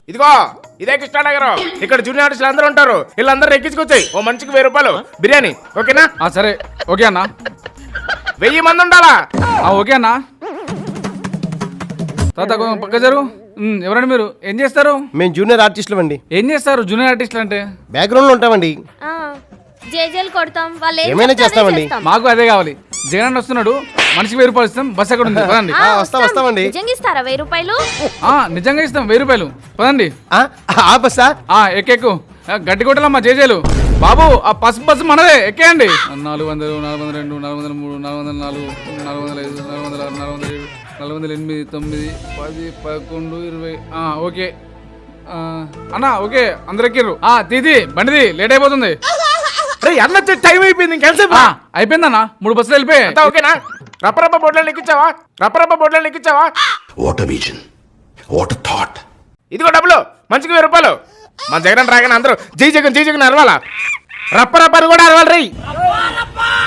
ఇదిగో ఇదే కృష్ణానగరం. ఇక్కడ జూనియర్ ఆర్టిస్టులు అందరూ ఉంటారు. వీళ్ళందరూ ఎక్కించుకొచ్చాయి. ఓ మనిషికి 1000 రూపాయలు బిర్యానీ. ఓకేనా? సరే ఓకే అన్న. 1000 మంది ఉండాలా? ఓకే అన్న. తాత పక్క జరు. ఎవరండి మీరు? ఏం చేస్తారు? మేము జూనియర్ ఆర్టిస్టులు అండి. ఏం చేస్తారు జూనియర్ ఆర్టిస్టులు అంటే? బ్యాక్గ్రౌండ్ లో ఉంటామండి. జేజేలు కొడతాం, వాళ్ళు ఏమైనా చేస్తామండి. మాకు అదే కావాలి. జగన్ వస్తున్నాడు, మనిషికి 1000 రూపాయలు ఇస్తాం. బస్ అక్కడ ఉంది, పదండి. వస్తామండి. నిజంగా ఇస్తారా 1000 రూపాయలు? నిజంగా ఇస్తాం 1000 రూపాయలు, పదండి. బస్సా? ఎక్కెక్కు. గడ్డి కొట్టాలమ్మా జేజేలు. బాబు ఆ పసుపు బస్సు మనదే, ఎక్కేయండి. 400, 402, 403, 404, 405, 406, 407, 408, 9, 10, 11, 20. ఓకే అన్నా, ఓకే అందరు ఎక్కిర్రు. తీది బండిది, లేట్ అయిపోతుంది. అన్న టైం అయిపోయింది. ఇంకెంతసేపు? అయిపోయిందన్నా, 3 బస్సులు వెళ్ళిపోయాయి. ఓకేనా? రప్పరప్ప బోట్లను ఎక్కించావా? రప్పరప్ప బోట్లను ఎక్కించావా? What a vision, what a thought. ఇదిగో డబ్బులు, మనిషికి 1000 రూపాయలు. మన జగన్ రాగానే అందరూ జై జగన్ జై జగన్ అరవాలా. రప్పరప్పని కూడా అరవాలి రై.